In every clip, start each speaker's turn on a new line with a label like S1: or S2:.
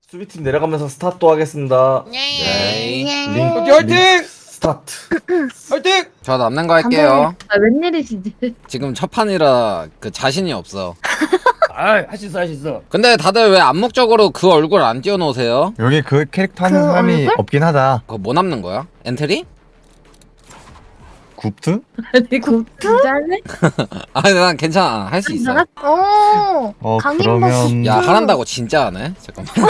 S1: 수비팀 내려가면서 스타트 하겠습니다.
S2: 네.
S1: 링
S3: 오케이, 화이팅!
S1: 스타트.
S3: 화이팅!
S4: 저 남는 거 할게요.
S2: 아, 웬일이시지?
S4: 지금 첫 판이라 그 자신이 없어.
S3: 아, 할 수 있어, 할 수 있어.
S4: 근데 다들 왜 암묵적으로 그 얼굴 안 띄워놓으세요?
S5: 여기 그 캐릭터 하는
S2: 그
S5: 사람이
S2: 얼굴?
S5: 없긴 하다.
S4: 그거 뭐 남는 거야? 엔트리?
S5: 굽트?
S2: 아니 진짜네?
S4: 아니 난 괜찮아. 할 수 있어.
S5: 그러면
S4: 야 하란다고 진짜 안 해? 잠깐만.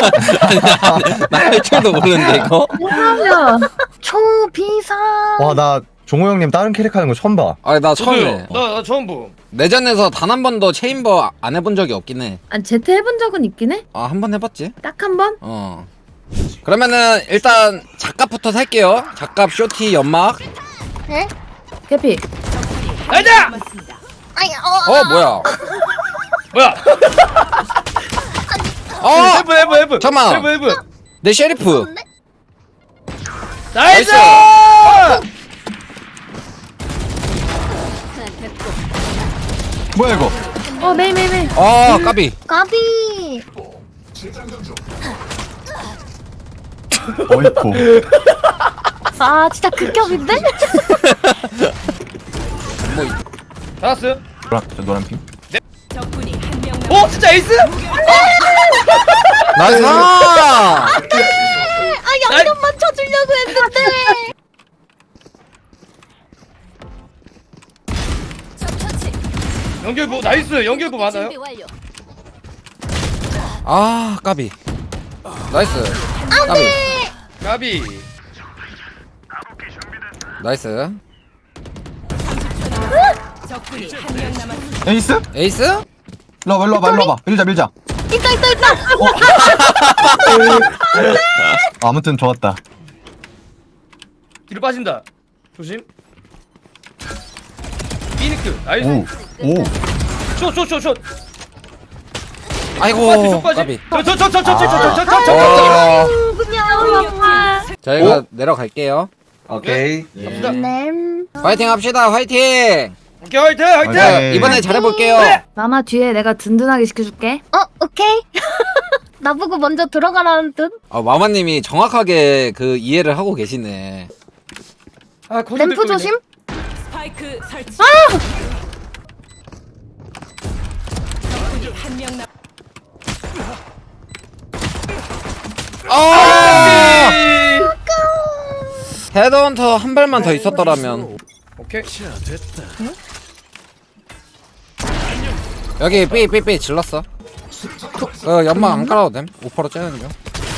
S4: 나할 줄도 모르는데 이거?
S2: 뭐하냐? 초비상.
S5: 와, 나 종호 형님 다른 캐릭터 하는 거 처음 봐.
S4: 아니 나 처음 해.
S3: 나 처음 보.
S4: 내전에서 단 한 번도 체인버 안 해본 적이 없긴 해.
S2: 아니 제트 해본 적은 있긴 해?
S4: 아 한 번 해봤지?
S2: 딱 한 번?
S4: 어. 그러면은 일단 작갑부터 살게요. 작갑, 쇼티, 연막.
S6: 네?
S2: 개피.
S3: 가자!
S6: 아니
S4: 뭐야?
S3: 뭐야?
S4: 어!
S3: 해브.
S4: 잠깐만.
S3: 해브.
S4: 내 셰리프.
S3: 나이스!
S5: 뭐야 이거?
S2: 메이.
S4: 까비.
S6: 까비.
S5: 어이쿠.
S6: 아 진짜 극혐인데?
S3: 잡았어요?
S5: 노란 핑?
S3: 오, 진짜 에이스?
S4: 나이스!
S6: 아 양념만 쳐주려고 했는데.
S3: 연결부, 나이스. 연결부 많아요?
S4: 아, 까비. 나이스. 까비.
S3: 가비.
S4: 나이스.
S5: 에이스?
S4: 에이스?
S5: 일로 와봐. 밀자.
S6: 있다.
S5: 아무튼 좋았다.
S3: 뒤로 빠진다. 조심. 피니크. 나이스.
S5: 오.
S3: 슛.
S4: 아이고,
S3: 빠지.
S4: 까비.
S3: 저.
S6: 그냥.
S4: 저희가 내려갈게요.
S1: 오케이.
S3: 갑시다.
S6: 네.
S4: 화이팅 합시다, 화이팅!
S3: 오케이, 화이팅!
S4: 자,
S5: 네.
S4: 이번에 잘해볼게요.
S2: 마마 뒤에 내가 든든하게 시켜줄게.
S6: 오케이. 나보고 먼저 들어가라는 뜻.
S4: 마마님이 정확하게 그 이해를 하고 계시네.
S3: 아, 거기
S6: 램프
S3: 뚫고
S6: 조심.
S7: 스파이크 설치.
S4: 아!
S3: 있네.
S4: 헤드헌터 한 발만 더 있었더라면.
S3: 오케이.
S4: 여기 삐 질렀어. 연막 안 깔아도 됨. 5%로 째는 중.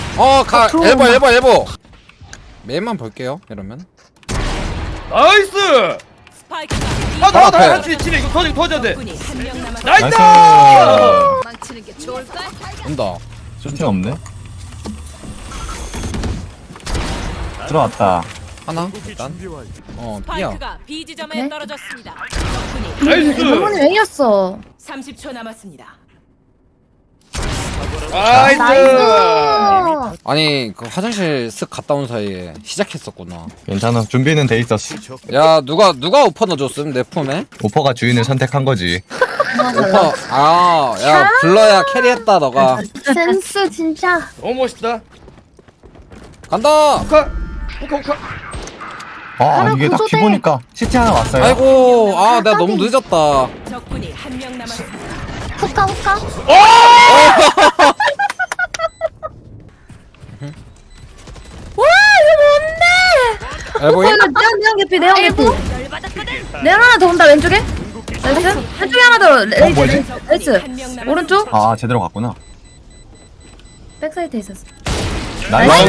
S4: 엘보. 메인만 볼게요. 이러면.
S3: 나이스!
S7: 스파이크가
S3: 나
S4: 앞에.
S3: 한치 치네. 이거 터져야 돼.
S7: 적군이 한 명 남았습니다.
S3: 나이스!
S4: 온다.
S5: 쇼팅 없네. 들어왔다.
S4: 하나 일단. 삐야.
S7: 스파이크가 B 지점에
S2: 오케이.
S7: 떨어졌습니다. 적군이
S3: 나이스!
S2: 이번에 왜 이겼어?
S7: 30초 남았습니다.
S3: 나이스!
S4: 아니 그 화장실 쓱 갔다 온 사이에 시작했었구나.
S5: 괜찮아. 준비는 돼 있었어.
S4: 야 누가 오퍼 넣어줬음 내 품에?
S5: 오퍼가 주인을 선택한 거지.
S4: 오퍼. 야 불러야 캐리했다 너가.
S6: 센스 진짜.
S3: 너무 멋있다.
S4: 간다.
S3: 호카.
S5: 이게 딱
S6: 구조대.
S5: 기보니까 시티 하나 왔어요.
S4: 아이고 내가 너무 늦었다.
S7: 적군이 한 명 남았습니다.
S6: 후카.
S4: 엘보이?
S2: 내형 개피. 내형 하나 더 온다 왼쪽에. 나이스. 한쪽에 하나 더.
S5: 뭐지?
S2: 나이스.
S7: 한 명 남았습니다.
S2: 오른쪽.
S5: 제대로 갔구나.
S2: 백사이트에 있었어.
S5: 나이스.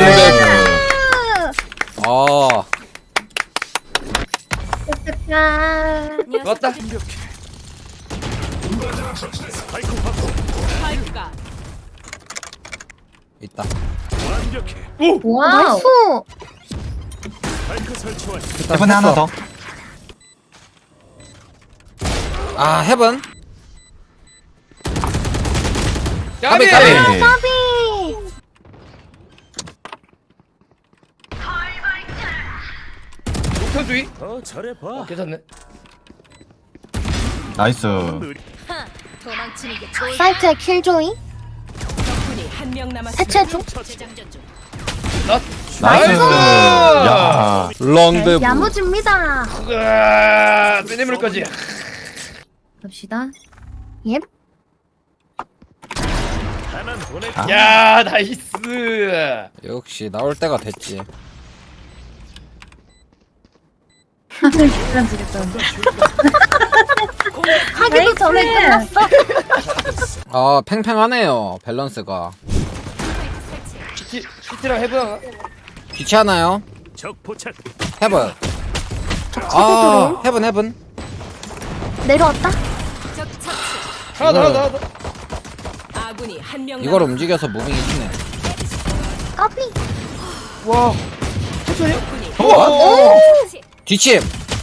S3: 좋았다.
S7: 스파이크가
S4: 있다.
S2: 와우.
S6: 나이스.
S5: 이번에 하나 더.
S4: 헤븐.
S3: 까비!
S4: 까비.
S6: 까비.
S3: 목표주의? 괜찮네.
S5: 나이스.
S6: 사이트의 킬조이.
S7: 적군이 한 명 남았습니다.
S6: 해체 중.
S5: 나이스. 야.
S4: 롱드
S6: 야무집니다.
S3: 으아, 빼내물까지.
S2: 갑시다.
S6: 예.
S3: 야, 나이스.
S4: 역시 나올 때가 됐지.
S2: 시간 주겠다.
S6: 하기도 전에 끝났어.
S4: 아 팽팽하네요 밸런스가.
S3: CT랑 해봐.
S4: 귀찮아요.
S8: 적 포착.
S4: 헤븐. 아 헤븐.
S6: 내려왔다.
S3: 하나 더.
S7: 아군이 한 명
S4: 이걸
S7: 남았습니다.
S4: 움직여서 무빙이 치네.
S6: 까비.
S3: 와.
S4: 뒤침.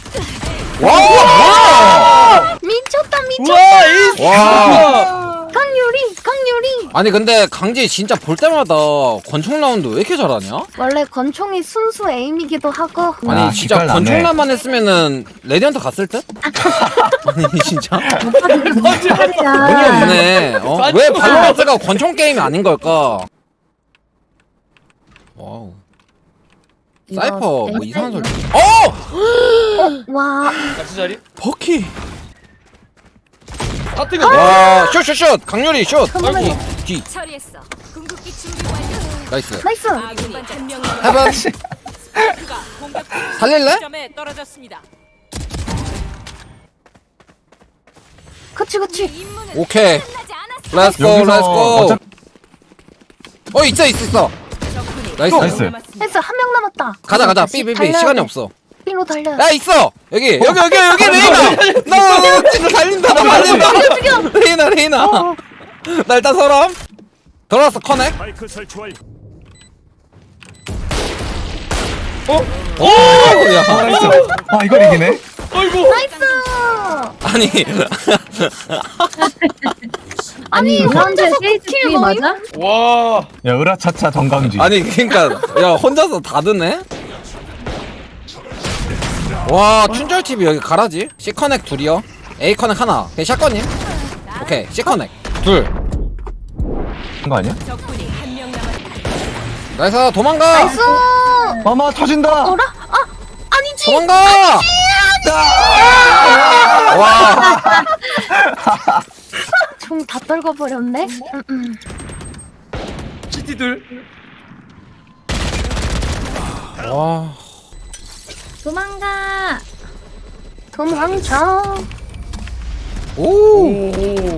S4: 와.
S6: 미쳤다 미쳤다.
S3: 우와, 에이스.
S4: 와.
S6: 강유리.
S4: 아니 근데 강지 진짜 볼 때마다 권총 라운드 왜 이렇게 잘하냐?
S6: 원래 권총이 순수 에임이기도 하고.
S4: 아니
S5: 아,
S4: 진짜
S5: 기깔나네.
S4: 권총란만 했으면은 레디언트 갔을 듯? 아니 진짜
S2: 뭔지
S4: 돈이 없네. 어? 왜 발로란트가 권총 게임이 아닌 걸까? 와우. 사이퍼 뭐 이상한 소리. 어!
S6: 와.
S3: 같이 자리.
S4: 버키.
S3: 아, 뜨거.
S4: 와, 슛. 강렬이 슛.
S6: 그만해.
S4: 뒤.
S7: 처리했어. 궁극기 준비 완료.
S4: 나이스.
S6: 나이스.
S7: 아군이 한 명 남았습니다.
S4: 해븐.
S7: 스파이크가 공격
S4: 살릴래?
S7: 점에 떨어졌습니다.
S6: 그치.
S4: 오케이. 렛츠고
S5: 여기서
S4: 렛츠고. 있어.
S7: 적군이
S4: 나이스.
S5: 나이스.
S7: 남았습니다.
S6: 나이스 한 명 남았다.
S4: 가자. 삐. 시간이 없어.
S6: 삐로 달려.
S4: 야 있어. 여기 레이나. 나 진짜 달린다. 레이나. 나 일단 서람. 돌아왔어 커넥.
S8: 마이크 설치 완료.
S4: 야.
S5: 나이스. 아 이걸 이기네.
S3: 아이고.
S6: 나이스.
S4: 아니
S2: 아니
S6: 혼자서
S2: 세이트
S6: 킬
S2: 피
S6: 뭐임?
S2: 맞아?
S3: 와.
S5: 야 으라차차 정강지.
S4: 아니 그러니까 야 혼자서 다 드네. 와 춘절 TV 여기 가라지. C 커넥 둘이요. A 커넥 하나. 오케이 샷건님. 오케이 C 커넥 둘.
S5: 거 아니야?
S7: 적군이 한 명 남았습니다.
S4: 나이스 도망가.
S6: 나이스.
S5: 마마 터진다.
S6: 어라? 아니지.
S4: 도망가. 와.
S6: 총 다 떨궈 버렸네.
S3: CT 둘.
S4: 와.
S2: 도망가.
S6: 도망쳐.
S4: 오.
S3: 오.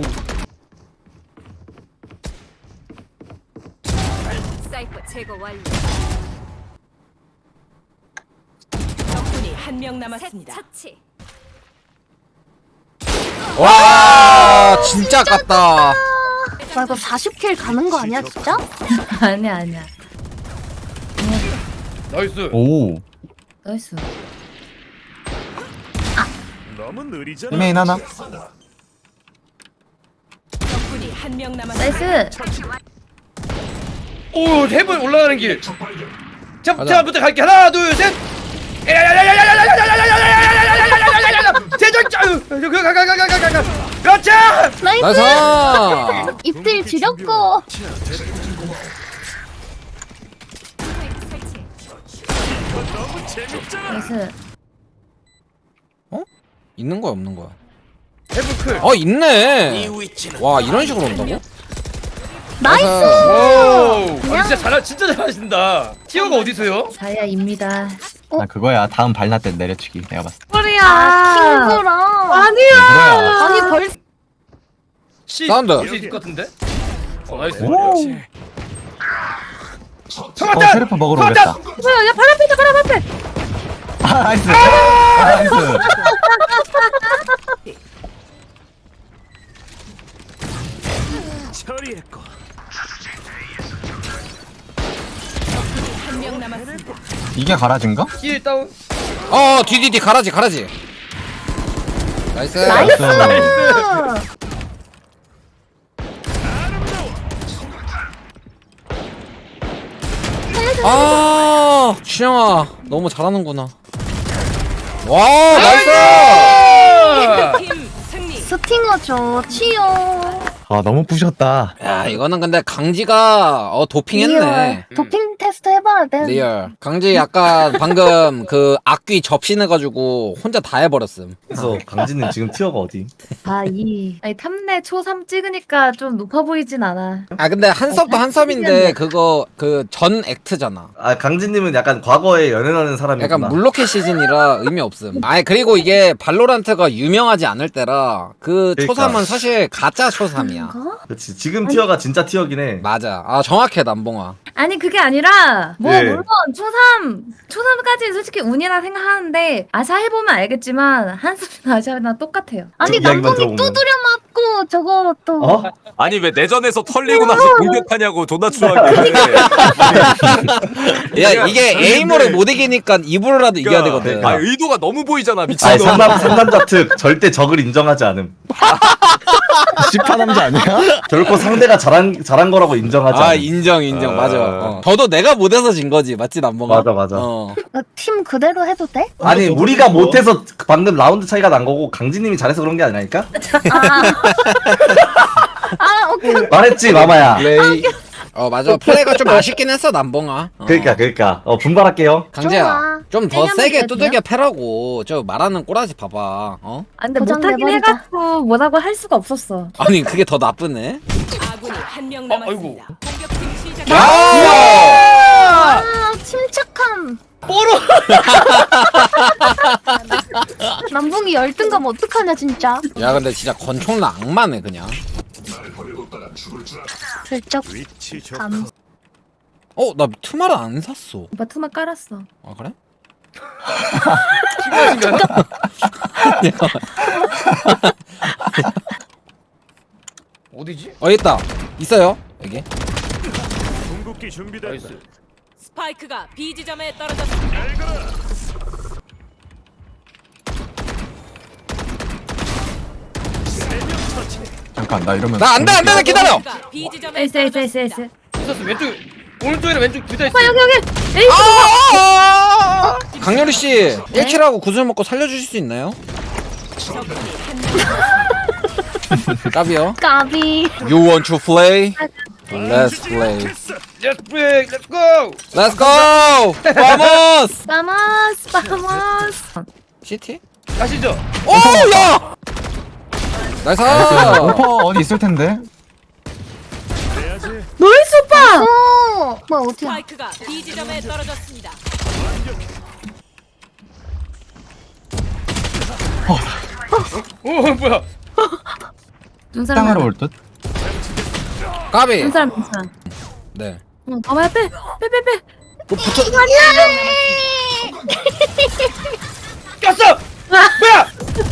S7: 사이퍼 제거 완료. 적군이 한 명 남았습니다.
S4: 와 진짜 아깝다.
S6: 와 이거 40킬 가는 거 아니야 진짜?
S2: 아니야.
S3: 나이스.
S5: 오.
S2: 나이스.
S8: 너무 느리잖아.
S5: 메인 하나.
S7: 적군이 한 명 남았습니다.
S2: 나이스.
S3: 오, 해븐 올라가는 길. 자,
S4: 가자.
S3: 부터 갈게. 하나, 둘, 셋. 제절자. 가. 그렇지.
S6: 나이스.
S4: 나이스.
S6: 입들 지렸고.
S2: 나이스.
S4: 있는 거야 없는 거야?
S3: 해븐 클.
S4: 있네. 와 이런 식으로 온다고?
S6: 나이스.
S3: 오. 아, 진짜 잘하신다. 티어가 어디서요?
S2: 자야입니다.
S5: 나 그거야. 다음 발나 때 내려치기. 내가 봤을 때.
S2: 소리야.
S6: 킹그랑.
S2: 아니야.
S6: 아니 벌.
S3: C.
S4: 사운드.
S3: 볼수 있을 것 같은데. 나이스.
S5: 오.
S3: 잡았다.
S5: 셰르프 먹으러 오겠다.
S2: 뭐야? 야발 앞에 있다. 발 앞에.
S5: 아 나이스. 나이스.
S8: 처리했고.
S7: 한 명 남았습니다.
S5: 이게 가라진가?
S3: 힐 다운.
S4: 뒤 가라지. 나이스.
S6: 나이스.
S4: 준영아 너무 잘하는구나. 와 나이스.
S3: 나이스.
S7: 팀 승리.
S6: 스팅어 좋지요.
S5: 아 너무 부셨다.
S4: 야 이거는 근데 강지가 도핑했네.
S6: 리얼. 도핑 테스트 해봐야 돼.
S4: 리얼. 강지 약간 방금 그 악귀 접신해가지고 혼자 다 해버렸음.
S1: 그래서 강진님 지금 티어가 어디?
S2: 아니 탐내 초3 찍으니까 좀 높아 보이진 않아.
S4: 아 근데 한섭도 한섭인데 그거 그 전 액트잖아.
S1: 아 강진님은 약간 과거에 연애하는 사람이구나.
S4: 약간 물로켓 시즌이라 의미 없음. 아니 그리고 이게 발로란트가 유명하지 않을 때라 그
S1: 그러니까.
S4: 초삼은 사실 가짜 초삼이야.
S1: 그렇지. 지금 티어가 진짜 티어긴 해.
S4: 맞아. 아 정확해 남봉아.
S2: 아니 그게 아니라 뭐
S1: 예.
S2: 물론 초3까지는 솔직히 운이라 생각하는데 아샤 해보면 알겠지만 한숨이나 아샤랑 똑같아요.
S6: 아니
S1: 이야기만
S6: 남봉이
S1: 들어보면.
S6: 두드려 맞고 저거 또.
S1: 어?
S9: 아니 왜 내전에서 털리고 나서 공격하냐고 존나 추하게.
S4: 야 이게 에이머를 못 이기니까 입으로라도 이겨야 되거든.
S9: 아 의도가 너무 보이잖아
S1: 아니
S9: 미친놈.
S1: 상남자 특 절대 적을 인정하지 않음.
S5: 시파 남자 아니야?
S1: 결코 상대가 잘한 거라고 인정하지
S4: 아
S1: 않음.
S4: 인정
S1: 아.
S4: 맞아. 저도 내가 못해서 진 거지 맞지 남봉아?
S1: 맞아.
S6: 팀 그대로 해도 돼?
S1: 아니 우리가 못해서 방금 라운드 차이가 난 거고 강진님이 잘해서 그런 게 아니라니까?
S6: 아 오케이.
S1: 말했지 마마야.
S4: 플레이. 맞아 플레이가 좀 아쉽긴 했어 남봉아.
S1: 그러니까 강진님
S4: 강재야
S6: 좋아.
S4: 좀 더
S6: 세게
S4: 세게
S6: 한번
S4: 두들겨 패라고. 저 말하는 꼬라지 봐봐.
S2: 아, 근데
S6: 고장
S2: 못하긴
S6: 내버리자.
S2: 해갖고 뭐라고 할 수가 없었어.
S4: 아니 그게 더 나쁘네.
S7: 아군이 한 명
S3: 아이고.
S7: 남았습니다. 공격팀 시작.
S6: 아 침착함.
S3: 뽀로.
S6: 남봉이 열등감 어떡하냐 진짜.
S4: 야 근데 진짜 권총나 악마네 그냥.
S6: 슬쩍
S8: 위치 적
S6: 감.
S4: 나 투마를 안 샀어.
S2: 오빠 투마 깔았어.
S4: 아 그래?
S3: 친구하신가요? 어디지?
S4: 있다. 있어요 여기.
S8: 궁극기 준비됐다.
S3: 나이스.
S7: 스파이크가 B 지점에 떨어졌습니다.
S5: 잠깐 나 이러면.
S4: 나 안돼 나 기다려.
S7: 스파이크가 B 지점에
S2: 에이스
S7: 떨어졌습니다.
S3: 있었어 왼쪽 오른쪽이랑 왼쪽 둘 다 있어.
S2: 오빠 여기 에이스.
S4: 강렬이 씨 1킬하고 구슬 먹고 살려주실 수 있나요? 까비요.
S6: 까비.
S4: You want to play? Let's play.
S3: Let's break. Let's go.
S4: Let's go. Vamos.
S2: 바모스.
S4: CT?
S3: 가시죠.
S4: 오 야. 나이스.
S5: 오퍼 어디 있을 텐데.
S8: 해야지.
S2: 노이스 오빠.
S6: 오. 뭐 어디야?
S7: 스파이크가 B 지점에 떨어졌습니다.
S3: 오 뭐야?
S2: 눈 사람.
S5: 땅으로 올 듯.
S4: 까비.
S2: 눈 사람 눈 사람.
S4: 네.
S2: 응, 가만히 빼.
S4: 붙어.
S3: 꼈어. 뭐야?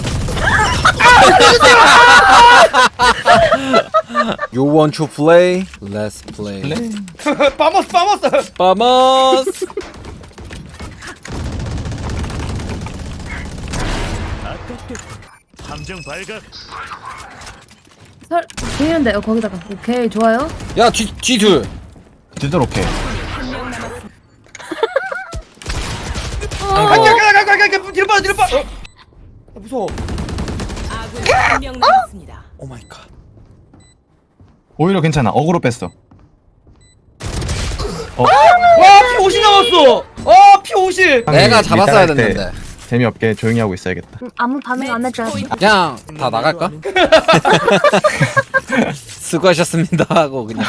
S4: You want to play? Let's play.
S3: 빠머스.
S4: Vamos.
S8: 함정 발각.
S2: 되는데 거기다가. 오케이 좋아요.
S4: 야 뒤둘.
S5: 뒤도록 해.
S3: 가 뒤로 빠. 무서워.
S7: 아군이 한 명 남았습니다.
S4: 오 마이 갓.
S5: 오히려 괜찮아. 어그로 뺐어.
S3: 와 P50 나왔어. P50.
S4: 내가 잡았어야
S5: 일단 할 때
S4: 됐는데.
S5: 재미없게 조용히 하고 있어야겠다.
S6: 아무 반응 안 해줘야지.
S4: 그냥 다 나갈까? 수고하셨습니다 하고 그냥.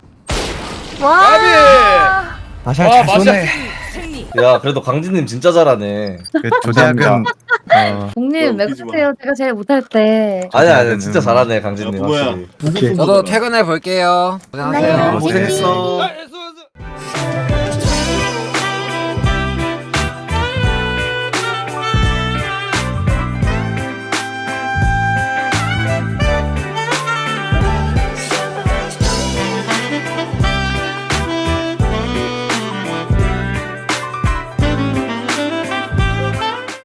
S6: 와.
S5: 다시
S3: 와
S5: 잘
S3: 맛이야.
S5: 쏘네.
S7: 승리.
S1: 야 그래도 강진님 진짜 잘하네.
S5: 그 조대학은
S2: 동님 왜 그러세요? 제가 제일 못할 때.
S1: 아니야 진짜 잘하네 강진님.
S8: 뭐야.
S1: 확실히.
S4: 저도 퇴근해 볼게요. 고생하세요.
S6: 네,
S1: 고생했어.
S3: 아, 수고했어.